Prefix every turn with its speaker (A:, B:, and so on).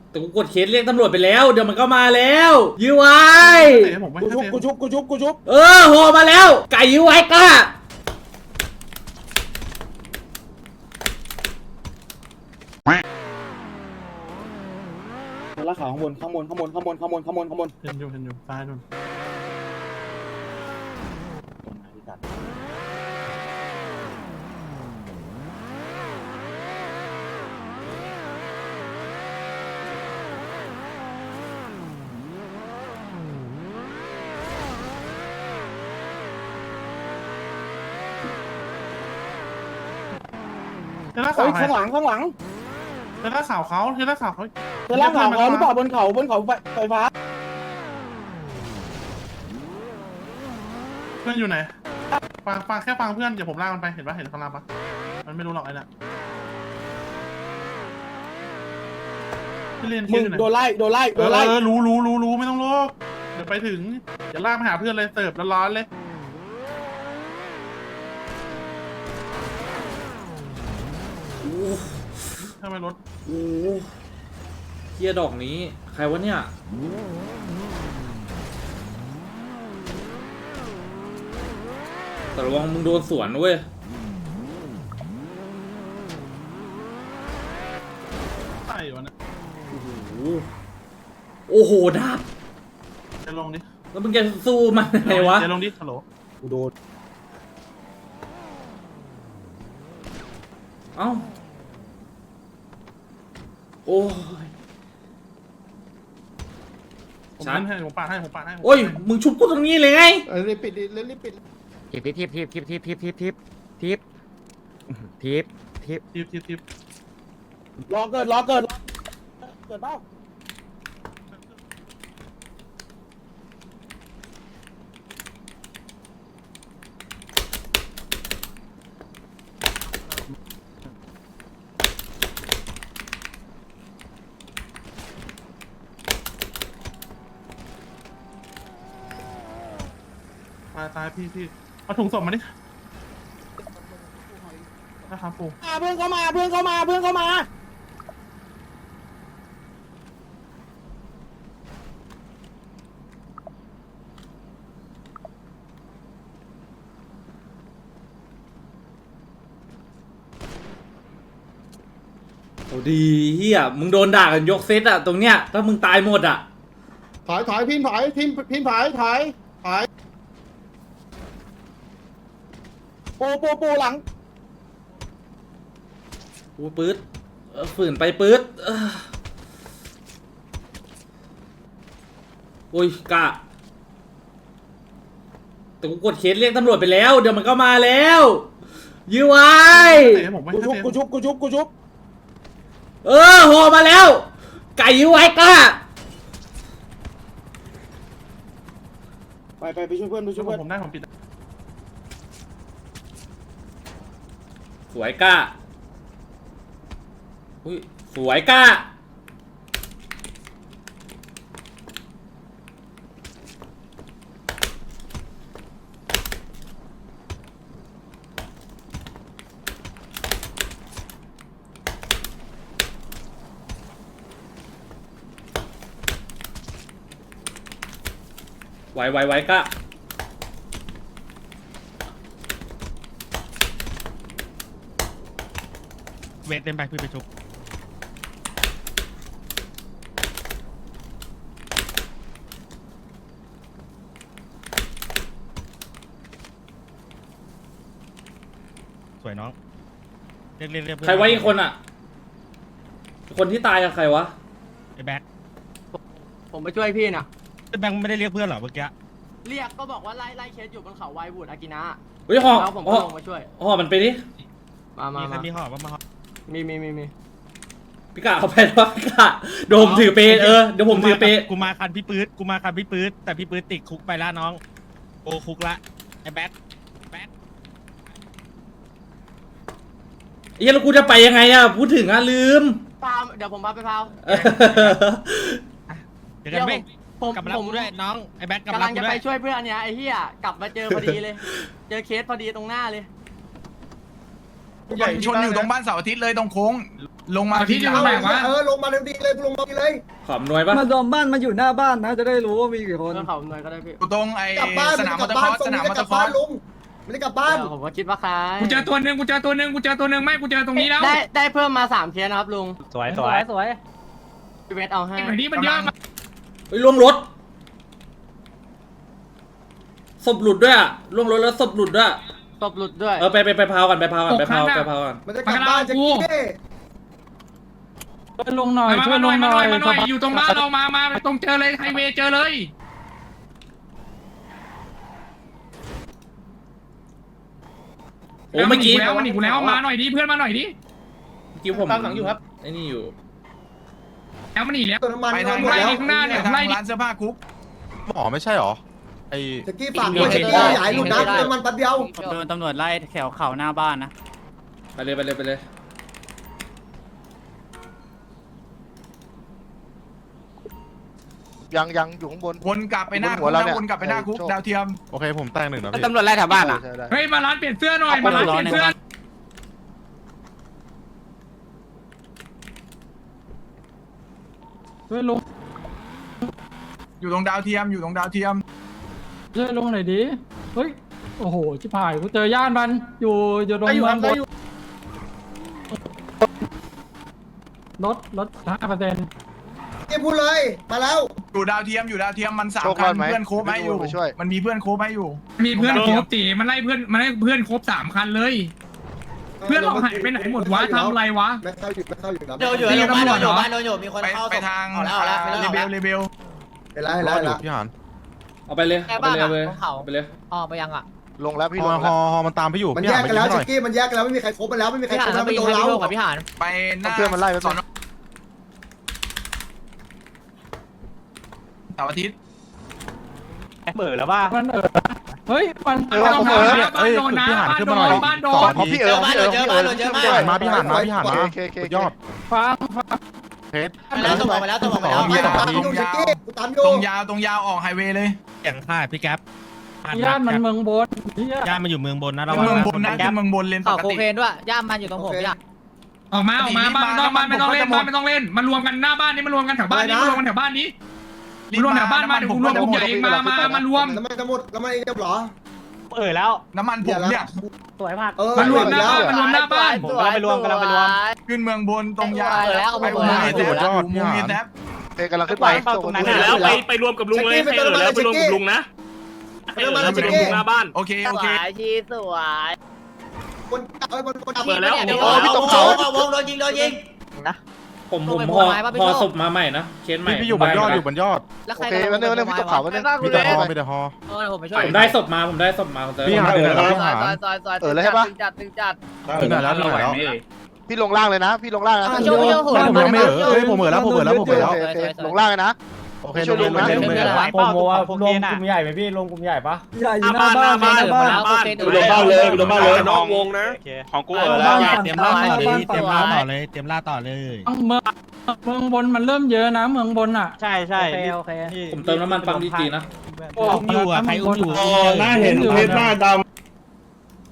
A: แต่กูกดเคสเรียกตำรวจไปแล้วเดี๋ยวมันก็มาแล้วยื้อไว้
B: กูชุบ
A: โหมาแล้วไก่ยื้อไว้ก้า
B: ลากขาข้างบนเห็นอยู่ซ้ายนู่นเทล่าข่าว
C: ข้างหลัง
B: เทล่าข่าวเขา
C: เธอล่างเขาหรือเปล่าบนเขาไฟฟ้า
B: เพื่อนอยู่ไหนฟังแค่ฟังเพื่อนเดี๋ยวผมลากมันไปเห็นปะเห็นข้างล่างปะมันไม่รู้หรอกไอ้น่ะพี่เรียน
C: มึง
B: อยู่ไหน
C: โดนไล่
B: รู้ไม่ต้องโลกเดี๋ยวไปถึงอย่าลากมาหาเพื่อนเลยเสิร์ฟร้อนๆเลยทำไมรถ
A: โอ้เฮียดอกนี้ใครวะเนี่ยแต่ระวังมึงโดนสวนเว้ย
B: ใช่วะเนี่ย
A: โอ้โหดาบ
B: จะลงดิ
A: แล้วมึงจะสู้มันไงวะ
B: จะลงดิฮัลโหล
C: กูโดน
A: เอ้าโอ้ย
B: ผมเล่นให้ผมปาดให้
A: โอ้ยมึงชุบกูตรงนี้เลยไง
C: รีบปิดดิรีบปิด
B: ทิป
C: รอเกิดเปล่า
B: ตายพี่เอาถุงศพมาดินะครับปู
C: เพื่อนเข้ามา
A: โอ้ดีเฮียมึงโดนด่ากันยกเซตอะตรงเนี้ยถ้ามึงตายหมดอะ
C: ถอยพิมพ์ถอยปูหลัง
A: กูปื๊ดฝืนไปปื๊ดโอ้ยกะแต่กูกดเคสเรียกตำรวจไปแล้วเดี๋ยวมันก็มาแล้วยื้อไว้
C: กูชุบ
A: โหมาแล้วไก่ยื้อไว้ก้า
C: ไปช่วยเพื่อน
B: ผมได้ผมปิด
A: สวยก้าอุ้ยสวยก้าไว้ก้า
D: เวทเต็มไปพี่ไปชุบสวยน้องเรียก
A: ใครไว้อีกคนอะคนที่ตายกับใครวะ
D: ไอ้แบ็ค
E: ผมไปช่วยพี่น่ะ
D: ไอ้แบ็คไม่ได้เรียกเพื่อนเหรอเมื่อกี้
E: เรียกก็บอกว่าไล่เคสอยู่บนเขาไวบูดอากินะ
A: เฮ้ยห่อ
E: แล้วผมก็ลงมาช่วย
A: ห่อมันไปดิ
D: มีใครมีห่อบ้างมาห่อ
E: มี
A: พี่กะเอาไปแล้วพี่กะเดี๋ยวผมถือเปเดี๋ยวผมถือเป
D: กูมาคันพี่ปื๊ดแต่พี่ปื๊ดติดคุกไปละน้องโอคุกละไอ้แบ็ค
A: เฮ้ยแล้วกูจะไปยังไงอะพูดถึงอะลืม
E: พาวเดี๋ยวผมพาไปพาว
D: เดี๋ยวกันไหม
E: ผม
D: กลับมารับกูด้วยน้องไอ้แบ็คกลับ
E: กำ
D: มา
E: ลั
D: รับ
E: ง
D: กู
E: จะ
D: ด้
E: ไป
D: วย
E: ช่วยเพื่อนเนี่ยไอ้เหี้ยกลับมาเจอพอดีเลย เจอเคสพอดีตรงหน้าเลย
F: ชนอยู่ตรงบ้านเสาร์อาทิตย์เลยตรงโค้งลงมาที่จะไหนวะ
G: ลงมาเร็วดีเลยกูลงมาดีเลย
A: ขอบหน่วยปะ
C: มาดอมบ้านมาอยู่หน้าบ้านนะจะได้รู้ว่ามีกี่คน
E: เพื่อนเขาหน่อยก็ได้พี่
F: ตรงไอ้
G: กลับบ้าน
F: สนามม
G: ก
F: อ
G: ลั
F: เตอร์ค
G: บ้า
F: อน ร์สสนามมอเตอร์คอร์ส
G: ลุงไม่ได้กลับบ้าน
E: เดี๋ยวผมก็คิดว่าใคร
D: กูเจอตัวหนึ่งไม่กูเจอตรงนี้แล้ว
E: ได้เพิ่มมา3เคสนะครับลุง
C: สวย
E: พี่เวทเอาให้
D: ไอ้นี้มันเยอะมาก
A: เฮ้ยล่วงรถศพหลุดด้วยอะล่วงรถแล้วศพหลุดด้วย
E: ตบหลุดด้วย
A: เออไปพาวกันไปพาวกัน
G: มันจะกลับบ้านจะกี้
C: ลงหน่อย
D: มาหน่อยอยู่ตรงบ้านเรามาตรงเจอเลยไฮเวย์เจอเลยมันหนีกูแล้วมาหน่อยดิเพื่อนมาหน่อยดิ
A: เมื่อกี้ผมตามหลังอยู่ครับไอ้นี่อยู่
D: แล้วมันหนีแล้ว
G: ตัวน้ำมัน
F: ไปทาง
G: หมดแล้ว
F: ข้างหน้าเนี่ยทางร้านเสื้อผ้าคุก
H: หมอไม่ใช่หรอไอ
G: จะกี้ฝากด้วยจะกี้ใหญ่หลุดนะตัวน้ำมันแป๊บเดียว
C: โดนตำรวจไล่แถวเข่าหน้าบ้านนะ
A: ไปเลย
H: ยังอยู่ข้างบน
F: วนกลับไปหน้าคุกนะวนกลับไปหน้าคุกดาวเทียม
H: โอเคผมแต่งหนึ่งนะพี่
C: ตำรวจไล่แถวบ้านอ่ะ
D: เฮ้ยมาร้านเปลี่ยนเสื้อหน่อยมาร้านเปลี่ยนเสื้อ
C: ช่วยลง
F: อยู่ตรงดาวเทียมอยู่ตรงดาวเทียม
C: ช่วยลงหน่อยดิเฮ้ยโอ้โหชิบหายกูเจอย่านมันอยู่ตรงเมืองบนลด5%
G: กี้พูดเลยมาแล้ว
F: อยู่ดาวเทียมมัน3 คันเพื่อนโคบให้อยู่มันมีเพื่อนโคบให้อยู่
D: มีเพื่อนครบตีมันไล่เพื่อนครบ3 คันเลย เพื่อนเราหายไปไหนหมดวะทำอะไรวะ
G: ไม่เข้าอยู่นะ
E: เดี๋ยวอยู่โรงพยาบาลอยู่มีคนเข้า
F: ไปทางเลเบล
G: เห็นแล้ว
H: รอดอยู่พี่หาน
A: เอาไปเลยไปเลย
E: ไปยังอ่ะ
H: ลงแล้วพี่ลงฮอมันตามพี่อยู่
G: มัน
H: พี่
G: แย
H: หาก น
G: กันแล้ว
H: ไป
G: ชิ
H: ยิงหน่อย
G: กี้มันแยกกันแล้วไม่มีใครคบกันแล้วไม่มีใครคบแล้วมันโดนเรา
F: ไปหน้า
H: เพื่อนมันไล่ไป
F: สอนเสาร์อาทิตย์
C: เบื่อแล้วว่ามันเฮ้ยมัน
D: บ้านโดนนะบ้านโดน
H: พอพี่มาพี่หานมาสุดยอด
C: ฟัง
H: เพชร
E: ไปแล้วตัวบอกไปแล้ว
H: มีต่อ
G: ตามอยู่ชิกี้กูตามอยู่
F: ตรงยาวออกไฮเวย์เลย
D: อย่างค่าพี่แก๊ป
C: ย่านมันเมืองบน
D: ย่านมันอยู่เมืองบนนะเรา
F: เมืองบนนะคือเมืองบนเลนป
E: ข่าว
F: ก
E: โค
F: ติ
E: เคนด้วยย่ามมันอยู่ตรงผมพี่
D: ออกมาบ้านไม่ต้องเล่นบ้านไม่ต้องเล่นมารวมกันหน้าบ้านนี้มารวมกันแถวบ้านนี้มารวมกันแถวบ้านนี้รวมแถวบ้านมาเดี๋ยวรวมกลุ่มใหญ่เองมารวม
G: น้ำมันจะหมดน้ำมันเองจะหรอ
C: แล้ว
F: น้ำมันผมเนี่ย
C: สวยมาก
D: มารวมหน้าบ้านมารวมหน้าบ้าน
C: ผมกำลังไปรวม
F: ขึ้นเมืองบนตรงยาวไปอุโมงค์มีแท็บ
H: เพชรกำลังขึ้นไป
G: แล้วไปรวมกับลุงเลยให้แล้วไปรวมกับลุงนะน้ำมันชิกี้
F: โอเค
E: ชีสวย
G: คนดับ
E: เปิดแล้ว
H: พี่ตกเขา
E: วงโดนยิง
A: ผมพอศพมาใหม่นะเคสใหม่
H: พี่อยู่บนยอดอยู่บนยอด
E: แล้วใค
H: โอ
E: ร
H: เควันนี้พี่ตกเขาวันนี้มีแต่ฮอมีแต่ฮอ
E: ผมไปช่วย
A: ผมได้ศพมา
H: พี่หานเลยพี่หาน
E: เลยใช่ปะจัด
H: ถึงไหนแล้วพี่ลงล่างเลยนะพี่ลงล่างนะ
E: ช่วย
H: ผมยังไม่ผมแล้วลงล่างเลยนะโอเคลงนะ
C: ผมว่ารวมกลุ่มใหญ่ไหมพี่รวมกลุ่มใหญ่ปะใหญ่อยู่หน้าบ้าน
E: ลงบ้านเลยนอกวงนะของกูแล้วเตรียมล่าต่อเลยเตรียมล่าต่อเลย
C: เมืองบนมันเริ่มเยอะนะเมืองบนอ่ะใช่โอเค
A: ผมเติมน้ำมันปั๊มดีๆนะ
C: อุ้มอยู่อ่ะใครอุ้มอยู่
I: หน้าเห็นเพชรหน้าด